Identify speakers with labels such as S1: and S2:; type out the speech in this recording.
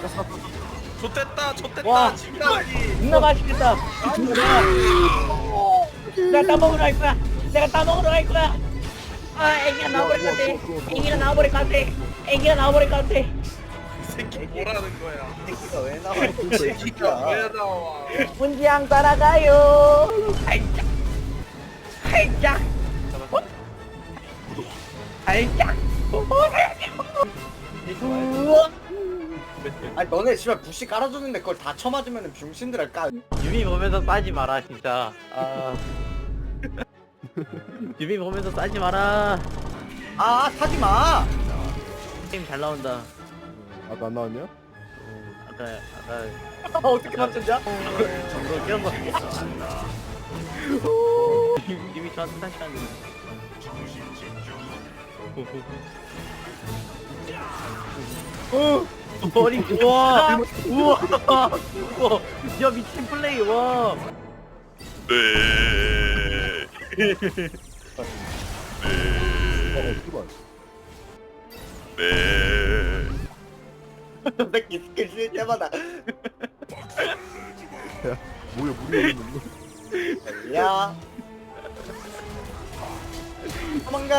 S1: 좋댔다 좋댔다
S2: 와.
S1: 지금까지.
S2: 존나 맛있겠다. 내가 따먹으러 갈 거야. 내가 따먹으러 갈 거야. 아, 애기가 나와버릴 것 같아. 애기가 나와버릴 것 같아. 애기가 나와버릴 것 같아.
S1: 이 새끼 뭐라는 거야?
S3: 새끼가 왜 나와?
S1: 이 새끼가 왜 나와?
S2: 문지양 따라가요. 살짝. 살짝. 살짝. 우와.
S3: 아니 너네 씨발 부시 깔아줬는데 그걸 다 쳐맞으면 병신들 까.
S2: 유미 보면서 싸지 마라 진짜. 아. 유미 보면서 싸지 마라.
S3: 아 사지 마.
S2: 게임 잘 나온다.
S4: 아까 안 나왔냐?
S2: 아까
S3: 어떻게 맞췄냐?
S2: 정도 끼운 거. 유미 저한테 다시 하는. 머리 우와 우와 우와 야 미친 플레이 와.
S1: 네.
S4: 씨발.
S1: 네.
S3: 새끼 스킬 쓸 때마다
S4: 뭐야 물이 있는
S3: 야 도망가.